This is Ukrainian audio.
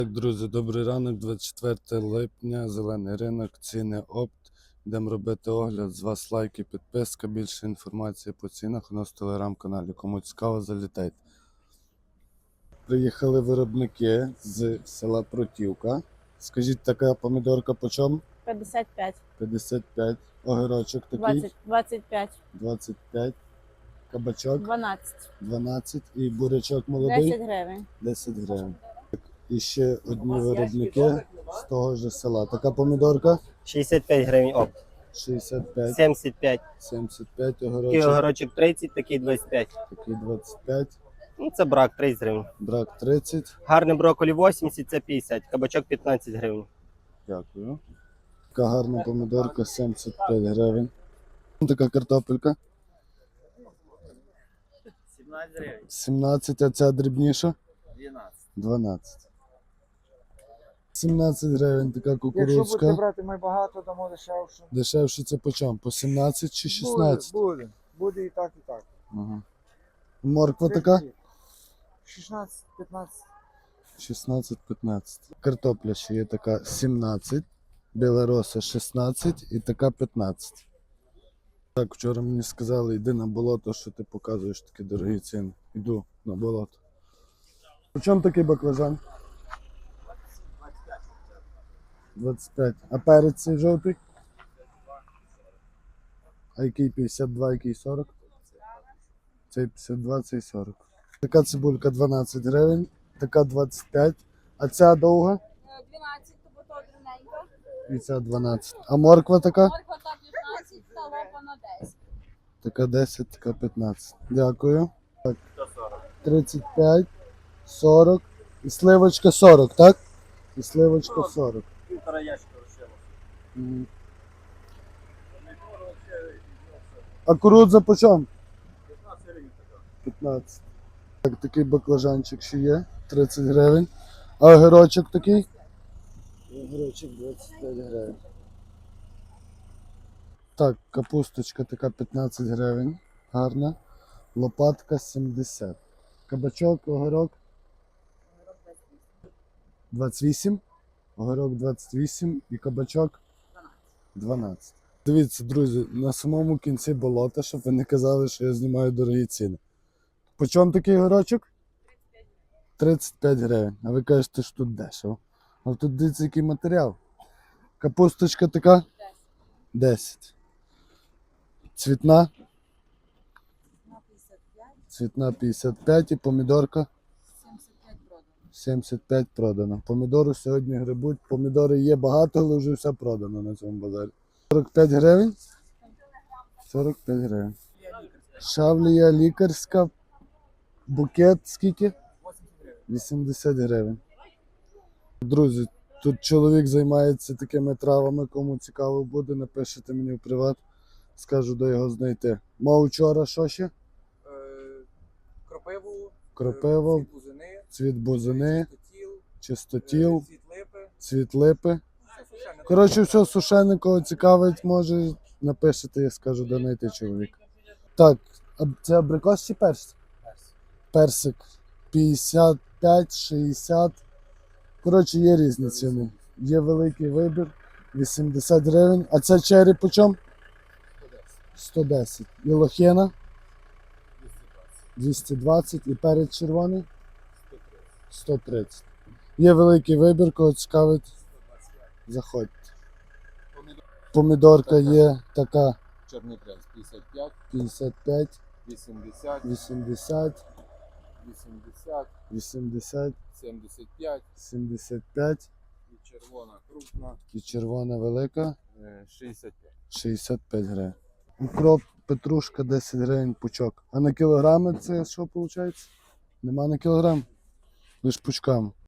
Так, друзі, добрий ранок, 24 липня, зелений ринок, ціни опт. Йдемо робити огляд, з вас лайки, підписка, більше інформації по цінах у нас в телеграм-каналі. Кому цікаво, залітайте. Приїхали виробники з села Протівка. Скажіть, така помідорка по чому? 55. 55. Огірочок такий? 25. 25. Кабачок? 12. 12. І бурячок молодий? 10 гривень. 10 гривень. І ще одні виробники з того ж села. Така помідорка? 65 гривень опт. 65, 75. 75, Такий огірочок, огорочок 30, такий 25. такий 25, Ну, це брак 30 гривень. брак 30. Гарний брокколі 80, це 50. Кабачок 15 гривень. Дякую. Така гарна помідорка 75 гривень. Така картопелька 17 гривень. 17, а ця дрібніша 12. 12. 17 гривень така Якщо будете кукурудзка. брати ми багато, дамо дешевше. Дешевше це по чому? По 17 чи 16? Буде. Буде і так, і так. Ага. Морква така? 16-15. 16-15. Картопля ще є така 17, білороса 16 і така 15. Так, вчора мені сказали, йди на болото, що ти показуєш такі дорогі ціни. Йду на болото. По чому такий баклажан? 25. А перець цей жовтий? А який 52, який 40? Цей 52, цей 40. Така цибулька 12 гривень, така 25. А ця довга? 12, бо то дрібненька. І ця 12. А морква така? Морква та 15, та лопа на 10. Така 10, така 15. Дякую. Так. 35, 40. І сливочка 40, так? І сливочка 40. Півтора ящика лишило. Мгм. А кукурудза по чому? 15 гривень така. 15. Так, такий баклажанчик ще є. 30 гривень. А огірочок такий? Огірочок 25 гривень. Так, капусточка така 15 гривень. Гарна. Лопатка 70. Кабачок, огірок 28. Огірок 28 і кабачок 12. Дивіться, друзі, на самому кінці болота, щоб ви не казали, що я знімаю дорогі ціни. По чому такий огірочок? 35 гривень. А ви кажете, що тут дешево. А тут дивіться, який матеріал. Капусточка така? 10. Цвітна? Цвітна 55 і помідорка? 75 продано. Помідору сьогодні грибуть. Помідори є багато, але вже все продано на цьому базарі. 45 гривень? 45 гривень. Шавлія лікарська. Букет скільки? 80 гривень. Друзі, тут чоловік займається такими травами, кому цікаво буде, напишете мені в приват, скажу, де його знайти. Мав вчора що ще? Кропиву, Кропива, цвіт бузини, цвіт бузини, чистотіл, чистотіл, цвіт липи. цвіт липи. Все сушене. Коротше, все сушене, кого цікавить, може напишете, я скажу, де знайти чоловіка. Так, а це абрикос чи персик? Персик 55, 60. Коротше, є різні ціни. Є великий вибір. 80 гривень. А це чері по чому? 110. І лохина? 220. І перець червоний? 130. Є великий вибір, кого цікавить, заходьте. Помідорка є така Чорний принц 55, 55, 80, 80, 80, 80, 75 75 і червона крупна і червона велика 65. 65 гривень. Укроп, петрушка 10 гривень пучок. А на кілограми це що виходить? Нема на кілограм? Лиш пучками.